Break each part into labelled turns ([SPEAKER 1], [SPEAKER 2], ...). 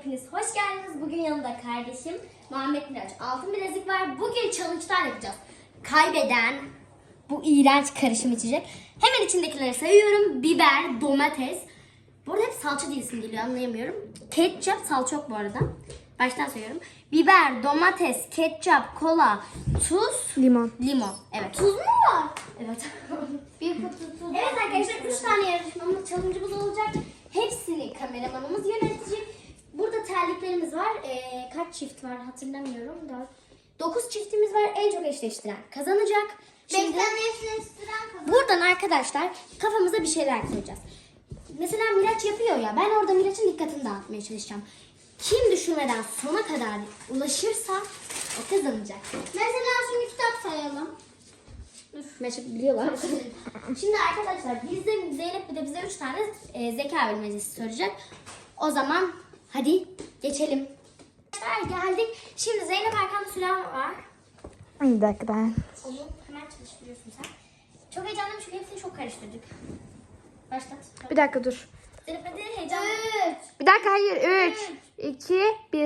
[SPEAKER 1] hepiniz hoş geldiniz. Bugün yanımda kardeşim Muhammed Miraç. Altın bilezik var. Bugün challenge'lar yapacağız. Kaybeden bu iğrenç karışım içecek. Hemen içindekileri sayıyorum. Biber, domates. Bu arada hep salça diye isim geliyor, anlayamıyorum. Ketçap, salça yok bu arada. Baştan sayıyorum. Biber, domates, ketçap, kola, tuz,
[SPEAKER 2] Limon.
[SPEAKER 1] limon. Evet.
[SPEAKER 3] Tuz mu var?
[SPEAKER 1] Evet.
[SPEAKER 3] Bir kutu tuz.
[SPEAKER 1] Evet arkadaşlar 3 tane yarışmamız, challenge'ımız olacak. Hepsini kameramanımız yönetecek. Burada terliklerimiz var. Kaç çift var hatırlamıyorum. 9 çiftimiz var. En çok eşleştiren kazanacak. Şimdi
[SPEAKER 3] Bekleyen eşleştiren kazan.
[SPEAKER 1] buradan arkadaşlar kafamıza bir şeyler koyacağız. Mesela Miraç yapıyor ya. Ben orada Miraç'ın dikkatini dağıtmaya çalışacağım. Kim düşürmeden sona kadar ulaşırsa o kazanacak.
[SPEAKER 3] Mesela şimdi kitap sayalım.
[SPEAKER 1] Meşhur biliyorlar. Şimdi arkadaşlar bizde Zeynep bir de bize 3 tane zeka bilmecesi soracak. O zaman hadi geçelim. Arkadaşlar geldik. Şimdi Zeynep arkamda süren var.
[SPEAKER 2] Bir dakika ben.
[SPEAKER 1] Onu hemen çalıştırıyorsun sen. Çok heyecanlıyım çünkü hepsini çok karıştırdık. Başlat.
[SPEAKER 2] Bir dakika dur.
[SPEAKER 1] Zeynep hadi heyecanlı.
[SPEAKER 2] Bir dakika hayır. 3, 2, 1.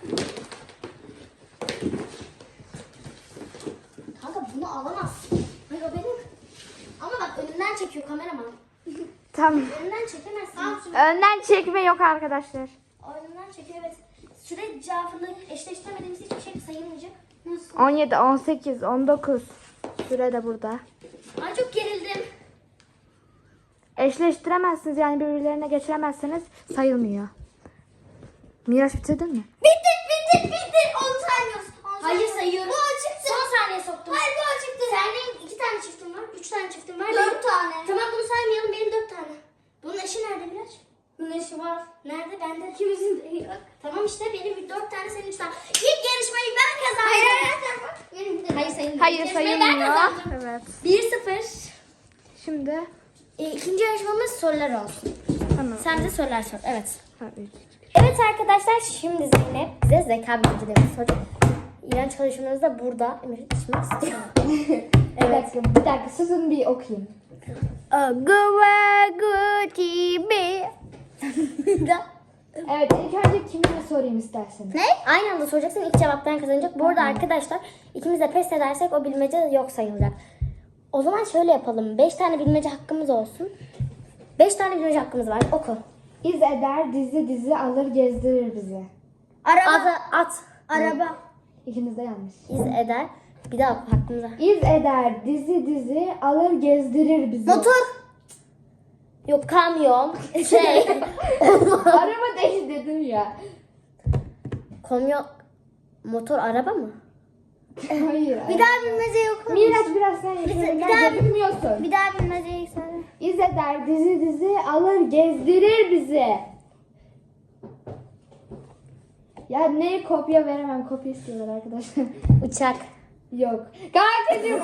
[SPEAKER 1] Kanka bunu alamazsın. Hayır o benim. Ama bak önümden çekiyor kameraman.
[SPEAKER 2] Tamam.
[SPEAKER 1] Önümden çekemezsin.
[SPEAKER 2] Önden çekme yok arkadaşlar.
[SPEAKER 1] Oyundan çekiyor evet. Süre cevabını eşleştiremediğimiz hiçbir şey sayılmayacak. Nasıl?
[SPEAKER 2] 17, 18, 19. Süre de burada.
[SPEAKER 1] Ay çok gerildim.
[SPEAKER 2] Eşleştiremezsiniz yani birbirlerine geçiremezseniz sayılmıyor. Miraç bitirdin mi?
[SPEAKER 3] Bitti. 10 saniye.
[SPEAKER 1] Hayır sayıyorum.
[SPEAKER 3] Bu açıktı.
[SPEAKER 1] Son saniye soktum.
[SPEAKER 3] Hayır bu açıktı.
[SPEAKER 1] Senin 2 tane çiftin var. 3 tane çiftin var.
[SPEAKER 3] 4
[SPEAKER 1] Benim-
[SPEAKER 3] tane.
[SPEAKER 1] Tamam bunu saymayalım. Benim 4 tane. Bunun eşi nerede Miraç? Bunun eşi var. Nerede? Bende. İkimizin de yok. Tamam işte benim 4 tane senin 3 tane. İlk yarışmayı ben kazandım. Hayır sayılmıyor.
[SPEAKER 2] Hayır
[SPEAKER 1] İlk yarışmayı ben
[SPEAKER 2] sayılmıyor.
[SPEAKER 1] kazandım.
[SPEAKER 2] Evet.
[SPEAKER 1] 1-0.
[SPEAKER 2] Şimdi
[SPEAKER 1] İkinci yarışmamız sorular olsun.
[SPEAKER 2] tamam.
[SPEAKER 1] Sen bize sorular sor. Evet.
[SPEAKER 2] Ha, üç.
[SPEAKER 1] Evet arkadaşlar şimdi Zeynep bize zeka bilgilerimizi soracak. İğrenç çalışmalarımız da burada. Emir içmek istiyor.
[SPEAKER 2] Evet. Bir dakika susun bir okuyayım. Evet ilk önce kimine sorayım isterseniz.
[SPEAKER 1] Ne? Aynı anda soracaksın. İlk cevaptan kazanacak. Bu arada arkadaşlar ikimiz de pes edersek o bilmece yok sayılacak. O zaman şöyle yapalım. 5 tane bilmece hakkımız olsun. 5 tane bilmece hakkımız var. Oku.
[SPEAKER 2] İz eder dizi alır gezdirir bizi.
[SPEAKER 1] Araba. At.
[SPEAKER 3] Araba.
[SPEAKER 2] İkiniz de yanlış.
[SPEAKER 1] İz eder. Bir daha oku hakkımız var.
[SPEAKER 2] İz eder dizi alır gezdirir bizi.
[SPEAKER 3] Motor.
[SPEAKER 1] Yok kamyon. Şey.
[SPEAKER 2] Araba değil dedim ya.
[SPEAKER 1] Kamyon. Motor araba mı?
[SPEAKER 2] Hayır.
[SPEAKER 3] Bir daha bilmece okur musun?
[SPEAKER 2] Miraç biraz sen
[SPEAKER 3] Bir
[SPEAKER 2] yapıyorsun.
[SPEAKER 3] daha-
[SPEAKER 2] Bilmiyorsun.
[SPEAKER 3] Bir daha bilmeceyi söyle.
[SPEAKER 2] İz eder dizi alır gezdirir bizi. Ya ne kopya veremem. Kopya istiyorlar arkadaşlar.
[SPEAKER 1] Uçak.
[SPEAKER 2] Yok. Kankacığım.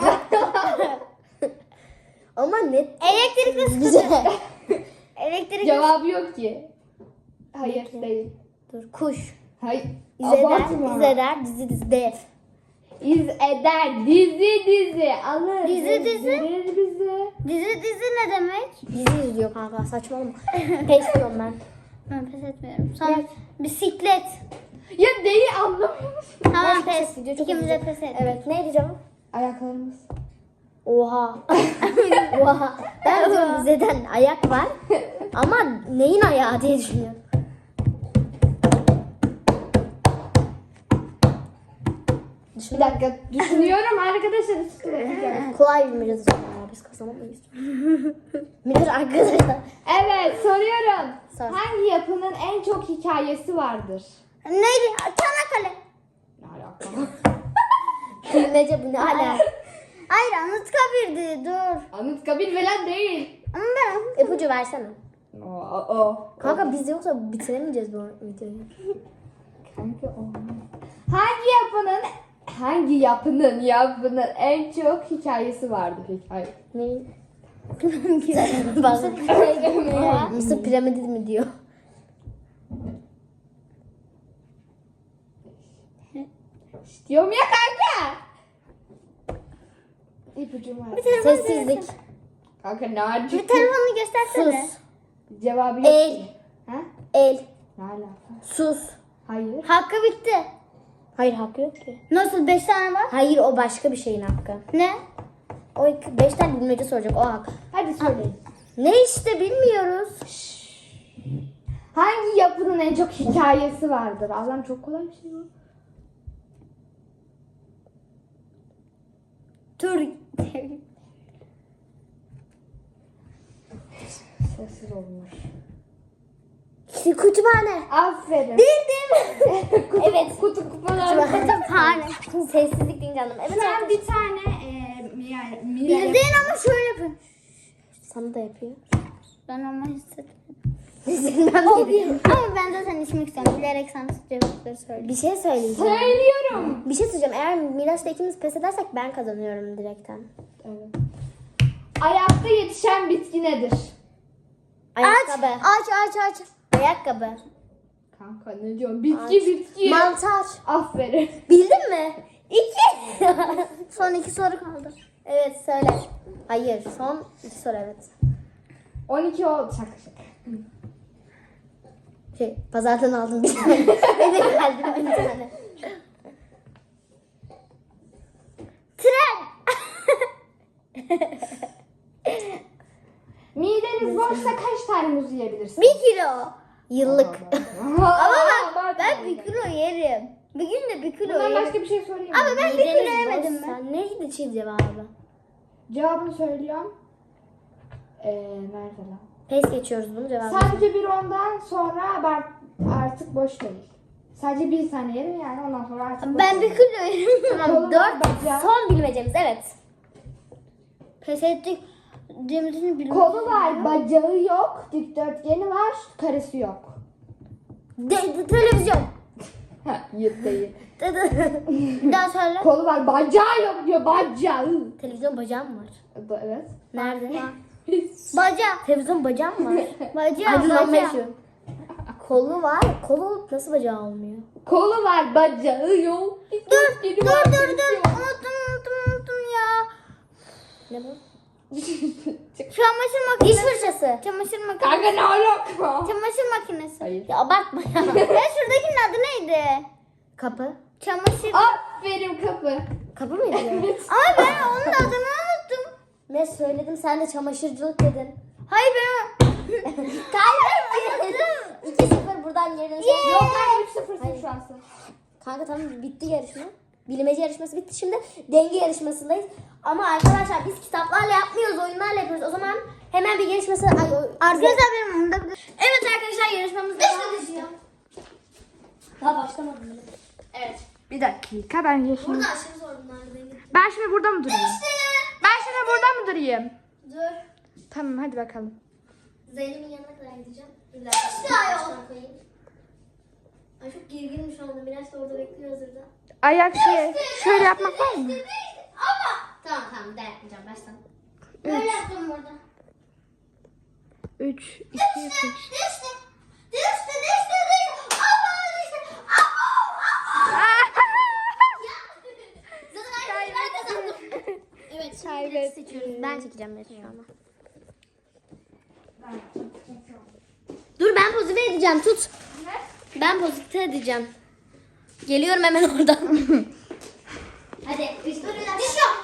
[SPEAKER 1] Ama net.
[SPEAKER 3] Elektrikli
[SPEAKER 1] Güzel.
[SPEAKER 3] Elektrik.
[SPEAKER 2] Cevabı yok ki. Hayır değil.
[SPEAKER 1] Dur. Kuş.
[SPEAKER 2] Hayır.
[SPEAKER 1] İzeder.
[SPEAKER 2] Abartma.
[SPEAKER 1] İzeder. Dizi. Dev.
[SPEAKER 2] İz eder dizi alır
[SPEAKER 3] Dizi.
[SPEAKER 2] gezdirir bizi.
[SPEAKER 3] Dizi ne demek?
[SPEAKER 1] Dizi izliyor kanka. Saçmalama. Pes diyorum ben.
[SPEAKER 3] Ben pes etmiyorum. Sana bisiklet.
[SPEAKER 2] Ya neyi anlamıyor musun?
[SPEAKER 3] Tamam
[SPEAKER 1] Başka
[SPEAKER 3] pes.
[SPEAKER 1] ses video, çok
[SPEAKER 3] İkimiz de
[SPEAKER 1] uzun.
[SPEAKER 3] pes et.
[SPEAKER 1] Evet. Neydi cevap?
[SPEAKER 2] Ayaklarımız.
[SPEAKER 1] Oha. Oha. Ben diyorum bizden ayak var. Ama neyin ayağı diye düşünüyorum.
[SPEAKER 2] Bir dakika düşünüyorum arkadaşlar.
[SPEAKER 1] Kolay bir mecaz ya. Biz kazanamayız. Miraç arkadaşlar.
[SPEAKER 2] Evet soruyorum.
[SPEAKER 1] Sor.
[SPEAKER 2] Hangi yapının en çok hikayesi vardır?
[SPEAKER 3] Neydi? Çanakkale.
[SPEAKER 2] Ne alaka?
[SPEAKER 1] Bilmece bu ne hala.
[SPEAKER 3] Hayır Anıtkabir'di. Dur.
[SPEAKER 2] Anıtkabir falan değil.
[SPEAKER 3] Ama ben
[SPEAKER 1] İpucu versene.
[SPEAKER 2] O.
[SPEAKER 1] Kanka biz yoksa bitiremeyeceğiz bu videoyu.
[SPEAKER 2] Kanka o. Hangi yapının en çok hikayesi vardır hikaye?
[SPEAKER 1] Neyin? Bazen Mısır piramidi mi diyor?
[SPEAKER 2] Diyorum ya kanka. İpucum var.
[SPEAKER 1] Sessizlik.
[SPEAKER 2] Kanka ne acı.
[SPEAKER 3] bir telefonunu göstersene.
[SPEAKER 1] Sus.
[SPEAKER 2] Cevabı yok.
[SPEAKER 1] El.
[SPEAKER 2] Ha?
[SPEAKER 1] El.
[SPEAKER 2] Ne alaka?
[SPEAKER 3] Sus.
[SPEAKER 2] Hayır.
[SPEAKER 3] Hakkı bitti.
[SPEAKER 1] Hayır hakkı yok ki.
[SPEAKER 3] Nasıl 5 tane var?
[SPEAKER 1] Hayır o başka bir şeyin hakkı.
[SPEAKER 3] Ne?
[SPEAKER 1] O 5 tane bilmece soracak o hak.
[SPEAKER 2] Hadi söyleyin.
[SPEAKER 1] Ne işte bilmiyoruz.
[SPEAKER 2] Hangi yapının en çok hikayesi vardır? Allah'ım çok kolay bir şey bu.
[SPEAKER 3] Tur.
[SPEAKER 2] Sessiz olmuş.
[SPEAKER 1] Kütüphane.
[SPEAKER 2] Aferin.
[SPEAKER 1] Evet.
[SPEAKER 2] Kutu kupalar.
[SPEAKER 3] Kütüphane.
[SPEAKER 1] Sessizlik deyince anladım. Evet
[SPEAKER 2] Sen
[SPEAKER 1] arkadaşlar.
[SPEAKER 2] bir tane yani
[SPEAKER 3] Bildin ama şöyle yapın.
[SPEAKER 1] Sana da yapıyor.
[SPEAKER 3] Ben ama hissetmedim.
[SPEAKER 1] Bilmem dedim.
[SPEAKER 3] Ama ben zaten içmek istiyorum. Bilerek sana cevapları söyleyeyim.
[SPEAKER 1] Bir şey söyleyeceğim.
[SPEAKER 2] söylüyorum.
[SPEAKER 1] Bir şey söyleyeceğim. Eğer Miraç'la ikimiz pes edersek ben kazanıyorum direkten.
[SPEAKER 2] Evet. Ayakta yetişen bitki nedir?
[SPEAKER 1] Ayakkabı.
[SPEAKER 3] Aç.
[SPEAKER 1] Ayakkabı.
[SPEAKER 2] Kanka ne diyorsun? Bitki.
[SPEAKER 1] Mantar.
[SPEAKER 2] Aferin.
[SPEAKER 1] Bildin mi? 2.
[SPEAKER 3] Son 2 soru kaldı.
[SPEAKER 1] Evet söyle. Hayır son 2 soru evet.
[SPEAKER 2] 12 oldu şaka şaka.
[SPEAKER 1] Pazardan aldım bir tane. Eve geldim bir tane.
[SPEAKER 3] Tren.
[SPEAKER 2] Mideniz boşsa kaç tane muz yiyebilirsiniz?
[SPEAKER 3] 1 kilo.
[SPEAKER 1] Yıllık.
[SPEAKER 3] Ama ben 1 kilo yerim. Bir gün de 1 kilo
[SPEAKER 2] Bundan
[SPEAKER 3] yerim.
[SPEAKER 2] başka bir şey sorayım mı?
[SPEAKER 3] Ama ben 1 kilo yemedim mi?
[SPEAKER 1] Sen neydi çift cevabı?
[SPEAKER 2] Cevabını söylüyorum. Nerede lan?
[SPEAKER 1] Pes geçiyoruz bunu cevabı.
[SPEAKER 2] Sadece bir ondan sonra ben artık boş değil. Sadece bir tane yerim yani ondan sonra artık boş
[SPEAKER 3] Ben 1
[SPEAKER 2] değil.
[SPEAKER 3] kilo yerim.
[SPEAKER 1] Tamam
[SPEAKER 2] Kolum
[SPEAKER 1] 4
[SPEAKER 2] var, bacağı.
[SPEAKER 1] son bilmecemiz evet.
[SPEAKER 3] Pes ettik. Cemil'in bilmem.
[SPEAKER 2] Kolu var, bacağı yok, dikdörtgeni var, karesi yok.
[SPEAKER 1] Televizyon.
[SPEAKER 2] Yırt değil.
[SPEAKER 3] Bir daha söyle.
[SPEAKER 2] Kolu var, bacağı yok diyor, bacağı.
[SPEAKER 1] Televizyon bacağım var.
[SPEAKER 2] Evet.
[SPEAKER 1] Nerede?
[SPEAKER 3] Baca.
[SPEAKER 1] Televizyon bacağım var.
[SPEAKER 3] Baca.
[SPEAKER 1] Aydınlanma
[SPEAKER 3] Baca.
[SPEAKER 1] yaşıyorum. Kolu var. Kolu nasıl bacağı olmuyor?
[SPEAKER 2] Kolu var, bacağı yok.
[SPEAKER 3] Dur. Unuttum ya.
[SPEAKER 1] Ne bu?
[SPEAKER 3] Çamaşır makinesi.
[SPEAKER 1] Diş fırçası.
[SPEAKER 3] Çamaşır makinesi.
[SPEAKER 2] Kanka ne alaka?
[SPEAKER 3] Çamaşır makinesi.
[SPEAKER 2] Hayır.
[SPEAKER 1] Ya abartma ya.
[SPEAKER 3] Ya şuradakinin adı neydi?
[SPEAKER 1] Kapı.
[SPEAKER 3] Çamaşır.
[SPEAKER 2] Aferin kapı.
[SPEAKER 1] Kapı mıydı?
[SPEAKER 3] Ama ben onun adını unuttum.
[SPEAKER 1] Ne söyledim sen de çamaşırcılık dedin.
[SPEAKER 3] Hayır ben
[SPEAKER 1] Kaybettim. 2-0 buradan yerine şey.
[SPEAKER 2] Yok ben 3-0'sın şu an.
[SPEAKER 1] Kanka tamam bitti yarışma. Bilmece yarışması bitti. Şimdi denge yarışmasındayız. Ama arkadaşlar biz kitaplarla yapmıyoruz, oyunlarla yapıyoruz. O zaman hemen bir yarışması...
[SPEAKER 3] Arkadaşlar benim onda
[SPEAKER 1] Evet arkadaşlar yarışmamız devam ediyor. Daha başlamadım bile. Evet.
[SPEAKER 2] Bir dakika ben yaşayayım.
[SPEAKER 1] Burada aşırı zor bunlar.
[SPEAKER 2] Ben şimdi burada mı durayım? Ben şimdi burada mı durayım?
[SPEAKER 1] Dur.
[SPEAKER 2] Tamam hadi bakalım.
[SPEAKER 1] Zeynep'in yanına kadar gideceğim. Bir dakika.
[SPEAKER 3] İşte ayol.
[SPEAKER 1] Koyayım. Ay çok gerginim şu anda. Biraz da orada bekliyor hazırda.
[SPEAKER 2] Ayak şöyle yapmak var mı?
[SPEAKER 1] Tamam bir daha yapmayacağım. Baştan.
[SPEAKER 3] böyle yaptım burada.
[SPEAKER 2] 3, 2, 1.
[SPEAKER 3] Düştü.
[SPEAKER 1] Zaten ben kazandım. Evet şimdi direkt seçiyoruz. Ben çekeceğim direkt şu anda. Dur ben pozitif edeceğim tut. Ben pozitif edeceğim. Geliyorum hemen oradan. Hadi. Düş yok.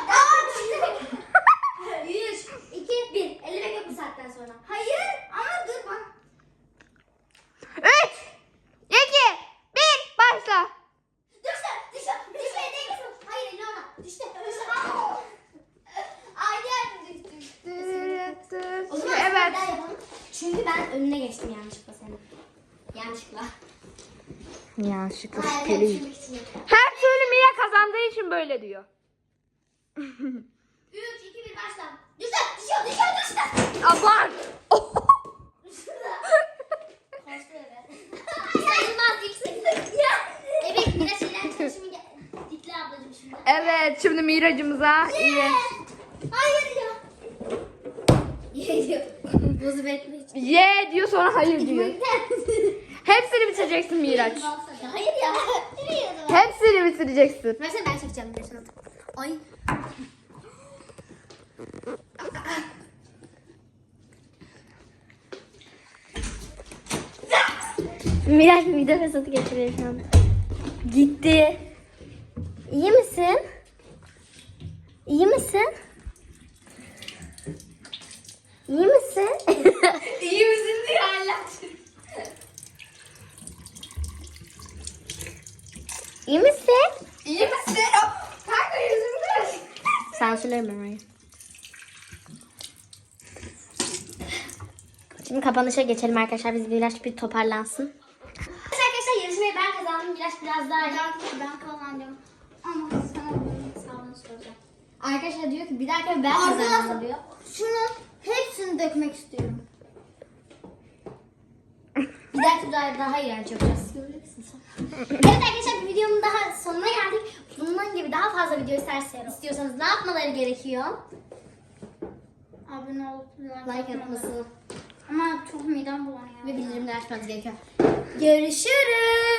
[SPEAKER 1] 3, 2, 1. Ellemek yok bu saatten sonra.
[SPEAKER 3] Hayır ama dur bak.
[SPEAKER 2] 3, 2, 1 başla.
[SPEAKER 3] Düştü. Hayır elini ona. Düştü. Aynı yerde düştü.
[SPEAKER 1] O zaman
[SPEAKER 2] Evet.
[SPEAKER 1] bir daha yapalım. Çünkü ben önüne geçtim yanlışlıkla senin. Yanlışlıkla.
[SPEAKER 2] Yanlışlıkla
[SPEAKER 1] Hayır,
[SPEAKER 2] şüpheli.
[SPEAKER 1] düşürmek için yapıyorum.
[SPEAKER 2] Her türlü Mia kazandığı için böyle diyor.
[SPEAKER 3] 3, 2, 1 başla. Düştü.
[SPEAKER 2] Abart.
[SPEAKER 1] Kaçtı eve. Sayılmaz yüksek. Evet biraz şeyler çalışımı dikle ablacığım şimdi.
[SPEAKER 2] Evet şimdi Miracımıza iyi.
[SPEAKER 3] Hayır ya.
[SPEAKER 1] Geliyor. Bozu etme için.
[SPEAKER 2] Ye diyor sonra hayır diyor. Hepsini bitireceksin Miraç.
[SPEAKER 1] Hayır ya.
[SPEAKER 2] Hepsini bitireceksin.
[SPEAKER 1] Versene ben çekeceğim. Versene. Ay. Miraç mide fesatı geçiriyor şu an. Gitti. İyi misin? İyi misin? İyi misin? İyi misin diye hala. İyi misin? İyi misin? Kanka yüzümde. Sansürlerim ben orayı. Şimdi kapanışa geçelim arkadaşlar. Biz Miraç bir toparlansın. Arkadaşlar yarışmayı ben kazandım. Miraç biraz daha iyi.
[SPEAKER 3] Ben kazandım. Ama sana bunun hesabını soracağım.
[SPEAKER 1] Arkadaşlar diyor ki bir dakika ben kazandım diyor.
[SPEAKER 3] Şunun hepsini dökmek istiyorum.
[SPEAKER 1] Bir dahaki daha iğrenç yapacağız. Göreceksin sen. Evet arkadaşlar videomun daha sonuna geldik. Bunun gibi daha fazla video istiyorsanız ne yapmaları gerekiyor?
[SPEAKER 3] Abone olup
[SPEAKER 1] Like atmasını
[SPEAKER 3] Ama çok midem bulanıyor.
[SPEAKER 1] ve bildirimleri açmanız gerekiyor. Görüşürüz.